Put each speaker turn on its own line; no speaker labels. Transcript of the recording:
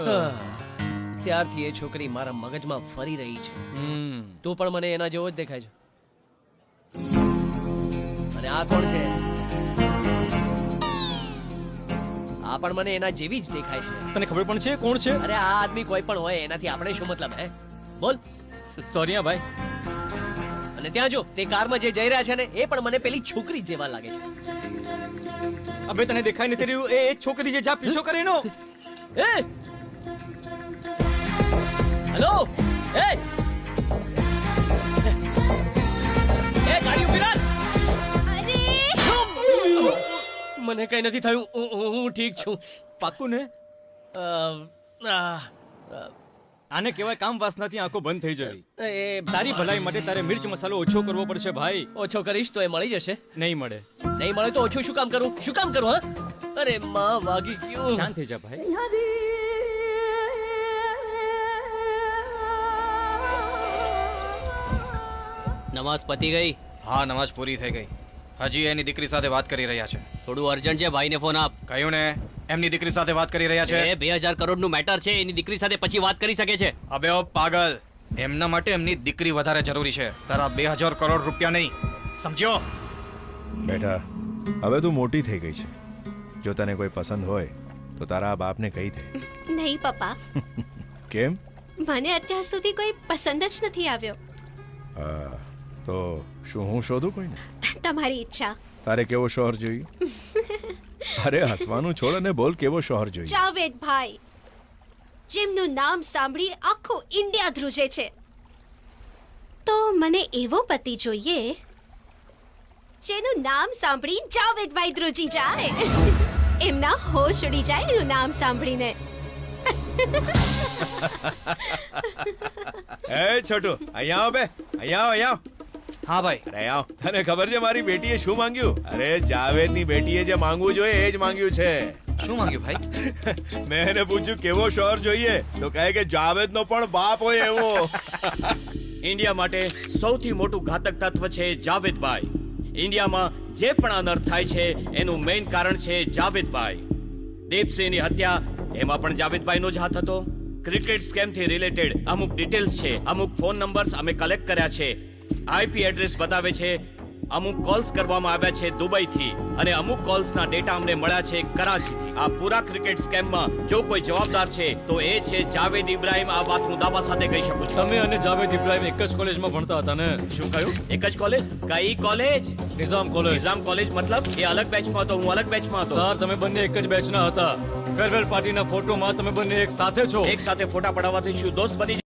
ત્યારથી એ છોકરી મારા મગજમાં ફરી રહી છે. તું પણ મને એના જેવો જ દેખાય છે. અને આ કોણ છે? આ પણ મને એના જેવી જ દેખાય છે.
તને ખબર પણ છે કોણ છે?
અરે આ આદમી કોઈ પણ હોય, એનાથી આપણે શું મતલબ? હે બોલ.
સોરી હા ભાઈ.
અને ત્યાં જો તે કારમાં જે જઈ રહ્યા છે ને, એ પણ મને પેલી છોકરી જેવા લાગે છે.
અબે તને દેખાય નથી રહ્યું? એ છોકરી જે જા પીછો કરે એનો.
એ હેલો, એ ગાડી ઉભી રાખ. મને કઈ નથી થયું, હું ઠીક છું.
પાક્કું ને? આને કહેવાય કામ વાસનાથી આંખો બંધ થઈ જવી. તારી ભલાઈ માટે તારે મિર્ચ મસાલો ઓછો કરવો પડશે ભાઈ.
ઓછો કરીશ તો એ મળી જશે.
નહીં મળે.
નહીં મળે તો ઓછું શું કામ કરું? શું કામ કરું? હા, અરે માં વાગી ગયું.
શાંત થઈ જા ભાઈ.
નમાઝ પતી ગઈ?
હા, નમાઝ પૂરી થઈ ગઈ. હજી એની દીકરી સાથે વાત કરી રહ્યા છે.
થોડું અર્જન્ટ છે, ભાઈને ફોન આપ.
કહ્યું ને, એમની દીકરી સાથે વાત કરી રહ્યા છે.
એ 2000 કરોડનું મેટર છે, એની દીકરી સાથે પછી વાત કરી શકે છે.
અબે ઓ પાગલ, એમના માટે એમની દીકરી વધારે જરૂરી છે, તારા 2000 કરોડ રૂપિયા નહીં. સમજ્યો?
બેટા, હવે તું મોટી થઈ ગઈ છે. જો તને કોઈ પસંદ હોય તો તારા બાપને કહી દે.
નહીં પપ્પા,
કેમ?
મને અત્યાર સુધી કોઈ પસંદ જ નથી આવ્યો.
તો શું હું શોધું કોઈને?
તમારી ઈચ્છા.
તારે કેવો શોહર જોઈએ? અરે હસવાનું છોડ અને બોલ, કેવો શોહર જોઈએ?
જાવેદભાઈ, જેમનું નામ સાંભળી આખું ઇન્ડિયા ધ્રુજે છે. તો મને એવો પતિ જોઈએ જેનું નામ સાંભળી જાવેદભાઈ ધ્રુજી જાય. એમના હોશ ઉડી જાય એનું નામ સાંભળીને.
એ છોટુ, અહીંયા આવ બે. અહીંયા આવ, અહીંયા આવ.
હા ભાઈ.
અરે આવ. તને ખબર છે મારી બેટીએ શું માંગ્યું? અરે જાવેદની બેટીએ જે માંગવું જોઈએ એ જ માંગ્યું છે.
શું માંગ્યું ભાઈ?
મેં એને પૂછ્યું કેવો શોહર જોઈએ, તો કહે કે જાવેદનો પણ બાપ હોય એવો.
ઇન્ડિયા માટે સૌથી મોટું ઘાતક તત્વ છે જાવેદભાઈ. ઇન્ડિયામાં જે પણ અનર્થ થાય છે એનું મેઇન કારણ છે જાવેદભાઈ. દીપસિંહની હત્યા, એમાં પણ જાવેદભાઈનો જ હાથ હતો. ક્રિકેટ સ્કેમથી રિલેટેડ અમુક ડિટેલ્સ છે, અમુક ફોન નંબર્સ અમે કલેક્ટ કર્યા છે, આઈપી એડ્રેસ બતાવે છે. અમુક કોલ્સ કરવામાં આવ્યા છે દુબઈથી અને અમુક કોલ્સના ડેટા અમને મળ્યા છે કરાચીથી. આ પૂરા ક્રિકેટ સ્કેમમાં જો કોઈ જવાબદાર છે તો એ છે જાવેદ ઇબ્રાહિમ. આ વાત હું દાવા સાથે કહી શકું છું.
તમે અને જાવેદ ઇબ્રાહિમ એક જ કોલેજમાં ભણતા હતા ને?
શું કહ્યું? એક જ કોલેજ? કઈ college?
Nizam college.
Nizam college મતલબ? એ અલગ બેચમાં હતો, હું અલગ બેચમાં હતો.
સર, તમે બંને એક જ બેચના હતા. ફેરવેલ પાર્ટીના ફોટોમાં તમે બંને એક સાથે છો.
એક સાથે ફોટા પડાવવાથી શું દોસ્ત બની